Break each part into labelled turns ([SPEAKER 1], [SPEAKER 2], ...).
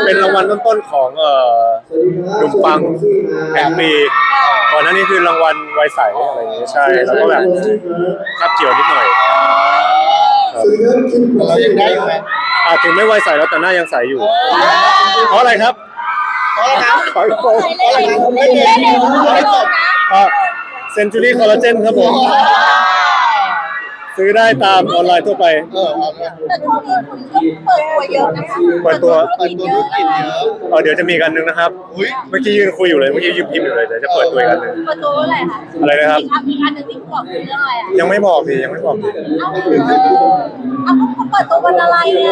[SPEAKER 1] เป็นรางวัลต้นๆของหนุ่มปังแห่งปีก่อนหน้านี้คือรางวัลวัยใสอะไรอย่างเงี้ยใช่แล้วก็แบบคับเกี่ยวนิดหน่อย
[SPEAKER 2] เรายังได้อยู่ไหม
[SPEAKER 1] ถึงไม่วัยใสแล้วแต่หน้ายังใสอยู่เพราะอะไรครับ
[SPEAKER 2] เพราะอะไรครับ
[SPEAKER 1] ขอยโกง
[SPEAKER 2] ไม่จบ
[SPEAKER 1] เซนจูรี่คอลลาเจนครับผมซื้อได้ตามออนไลน์ทั่วไป
[SPEAKER 3] แต่ช่วงนี้คุณเปิดตัวเยอะนะคะ
[SPEAKER 1] เปิดตัว
[SPEAKER 2] ธุรกิจเยอะ
[SPEAKER 1] เดี๋ยวจะมีกันนึงนะครับเมื่อกี้ยืนคุยอยู่เลยเมื่อกี้ยืนพิมพ์อยู่เลยเดี๋ยวจะเปิดตัวกันนึง
[SPEAKER 3] เปิดตัวอะไรคะ
[SPEAKER 1] อะไรนะครับ
[SPEAKER 3] อีกอันหนึ่งที่บอกคือเรื่องอะไรอ่ะ
[SPEAKER 1] ยังไม่บอกดิยังไม่บอกดิ
[SPEAKER 3] เอาเขาเปิดตัววันอะไรไง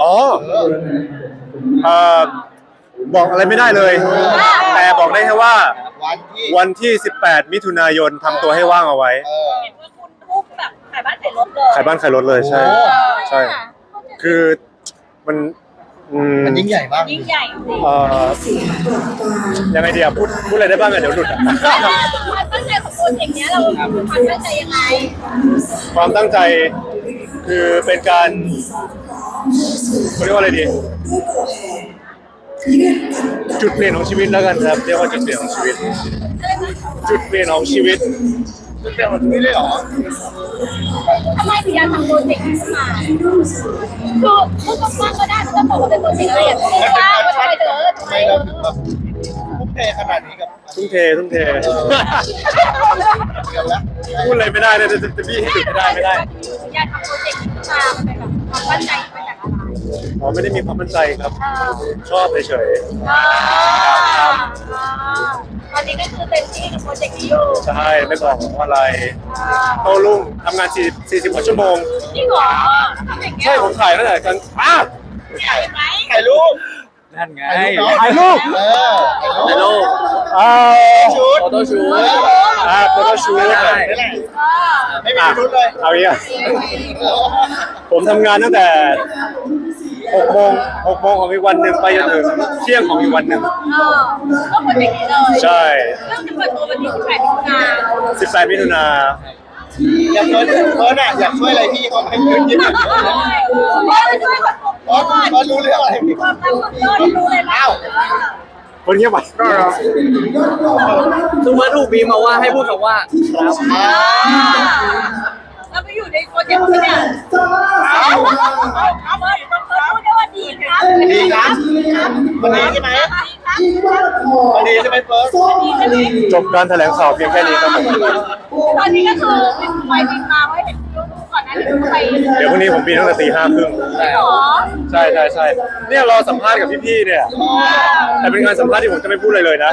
[SPEAKER 1] บอกอะไรไม่ได้เลยแต่บอกได้แค่ว่าวันที่18มิถุนายนทำตัวให้ว่างเอาไว้
[SPEAKER 3] เห็นว่าคุณทุกแบบขายบ้านขายรถเลย
[SPEAKER 1] ขายบ้านขายรถเลยใช่ใช่คือมัน
[SPEAKER 2] ยิ่งใหญ่มาก
[SPEAKER 3] ยิ่งใหญ่
[SPEAKER 1] ยังไงดีอ่ะพูดอะไรได้บ้างอ่ะเดี๋ยวหลุด
[SPEAKER 3] ความตั้งใจของโปรเจกต์นี้เราความตั้งใจยังไง
[SPEAKER 1] ความตั้งใจคือเป็นการเรียกว่าอะไรดีจุดเปลี่ยนของชีวิตแล้วกันครับเรียกว่าจุดเปลี่ยนของชีวิตจุดเปลี่ยนของชีวิต
[SPEAKER 2] จุดเปลี่ยนของชีวิตเลยเหรอ
[SPEAKER 3] ทำไมถึงอยากทำโปรเจกต์นี้ขึ้นมาคือพูดกว้างๆก็ได้จะบอกว่าเป็นโปรเจกต์อะไรอย่างเงี้ยว่าทำไมเราถึงแบบ
[SPEAKER 2] ทุ่มเทขนาดนี้กับ
[SPEAKER 1] ทุ่มเทพูดอะไรไม่ได้เลยจะพี่ให้หยุดไม่ได้
[SPEAKER 3] อยากทำโปรเจกต์นี้ขึ้นมาเป็นแบบความตั้งใจมาจากอะไร
[SPEAKER 1] ไม่ได้มีความมั่นใจครับชอบเฉย
[SPEAKER 3] ตอนนี้ก็คือเต็มที่กับโปรเจกต์นี้อยู่
[SPEAKER 1] ใช่ไม่บอกว่าอะไรโตรุ่งทำงาน40 กว่าชั่วโมง
[SPEAKER 3] จริงเหรอ
[SPEAKER 1] ใช่ผมถ่ายตั้งแต่กัน
[SPEAKER 2] ถ่ายรูป
[SPEAKER 1] นั่นไงถ่ายรูป
[SPEAKER 2] ชุด
[SPEAKER 1] โฟโต้ชูตโฟโต้ชูต
[SPEAKER 2] ไม่มีชุดเลย
[SPEAKER 1] เอาอย่างผมทำงานตั้งแต่6 โมงของอีกวันหนึ่งไปจนถึงเที่ยงของอีกวันหนึ่ง
[SPEAKER 3] ก็โปรเจกต์นี้เลย
[SPEAKER 1] ใช่
[SPEAKER 3] เรื่องจะเปิดตัววันที่18 มิถุนายน
[SPEAKER 2] อยากเพิร์ดอยากช่วยอะไรพี่เขาให้ยืนยืน
[SPEAKER 3] ช่วย
[SPEAKER 2] เขารู้เรื่องอะไรพี่
[SPEAKER 3] ความรักของต้นรู้เลยนะ
[SPEAKER 1] คนเงียบไป
[SPEAKER 4] ซูเปอร์ถูกบีมาว่าให้พูดคำว่าครับ
[SPEAKER 3] เราไปอยู่ในโปรเจกต์นี้เนี่ยเอาพูดได้ว่าดีครับ
[SPEAKER 2] ดีครับวันนี้ใช่ไหมวันนี้ใช่ไหมเฟิร์ส
[SPEAKER 1] จบการแถลงข่าวเพียงแค่นี้ครับผม
[SPEAKER 3] ตอนนี้ก็คือไปบินมาไว้เห็นก่อนหน้านี้ไป
[SPEAKER 1] เดี๋ยวพรุ่งนี้ผมบินตั้งแต่ตี 5:30ใช่เนี่ยรอสัมภาษณ์กับพี่ๆเนี่ยแต่เป็นงานสัมภาษณ์ที่ผมจะไม่พูดอะไรเลยนะ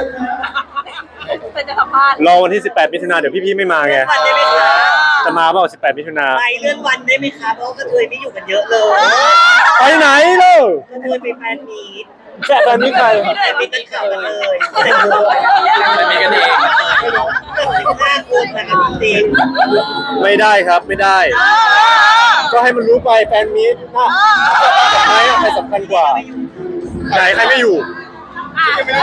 [SPEAKER 1] รอวันที่18 มิถุนายนเดี๋ยวพี่ๆไม่มาไงจะมาเปล่า18 มิถุนายน
[SPEAKER 5] ไปเลื่อนวันได้ไหมคะเพราะกระเทยไม่อยู่กันเยอะเลย
[SPEAKER 1] ไปไหนลูก
[SPEAKER 5] กระเทยไปแฟนมีต
[SPEAKER 1] แฟนมีตใคร
[SPEAKER 5] แฟนมีตเก่ากันเลย
[SPEAKER 4] มีกันเอง
[SPEAKER 5] 5 คนนะคะจริง
[SPEAKER 1] ไม่ได้ครับไม่ได้ก็ให้มันรู้ไปแฟนมีตใครสำคัญกว่าไหนใครไม่อยู่
[SPEAKER 3] ก็คือ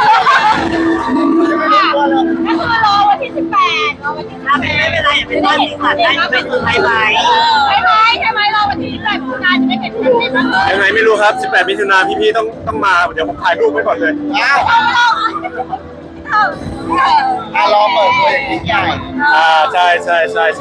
[SPEAKER 3] รอวันที่18รอวันที่18
[SPEAKER 5] ไม่เป็นไรอย่าเป็นวันที่ขาดได้ไม่คือไฮไลท์
[SPEAKER 3] ใช่ไหมรอวันที่18มิถุนายนจะได้เห็นเป็นบ้าง
[SPEAKER 1] ยังไงไม่รู้ครับ18 มิถุนายนพี่ๆต้องมาเดี๋ยวผมถ่ายรูปไว้ก่อนเลย
[SPEAKER 2] รอเปิดตัวอย่างยิ่งใหญ่
[SPEAKER 1] ใช่ส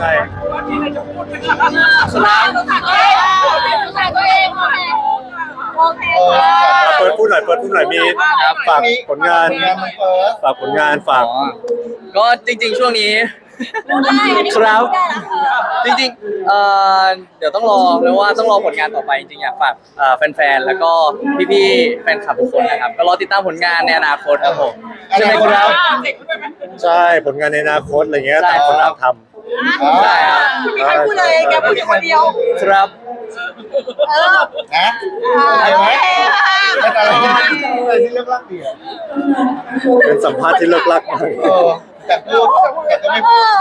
[SPEAKER 3] ลามตัวเองโอเค
[SPEAKER 1] เปิดพูดหน่อยมีฝากผลงานฝาก
[SPEAKER 4] ก็จริงๆช่วงนี้ครับจริงๆเดี๋ยวต้องรอแล้วว่าต้องรอผลงานต่อไปจริงๆอยากฝากแฟนๆแล้วก็พี่ๆแฟนคลับทุกคนนะครับก็รอติดตามผลงานในอนาคตครับผม
[SPEAKER 1] ใช่ไหมครับใช่ผลงานในอนาคตอะไรเงี้ยต่างคนต่างทำ
[SPEAKER 4] ใช่ครับ
[SPEAKER 3] ไม่ใครพูดเลยแกพูดคนเดียว
[SPEAKER 4] ครับ
[SPEAKER 2] นะอะไรไหมเป็นอะไรที่เลิกลักดี
[SPEAKER 1] เป็นสัมภาษณ์ที่เลิกลักมาก
[SPEAKER 2] แต่พูดแต่ก็ไม่พูด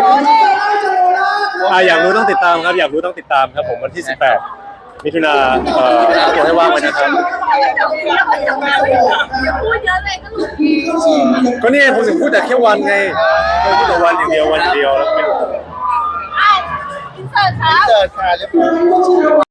[SPEAKER 1] อยากรู้ต้องติดตามครับผมวันที่18 มิถุนายนตัวให้ว่างไว้นะครับก็นี่ผมถึงพูดแต่แค่วันไงพูดแต่วันอย่างเดียวแล้วไม่รู้
[SPEAKER 3] อินเสิร์ตค่ะ
[SPEAKER 2] เรียบร้อย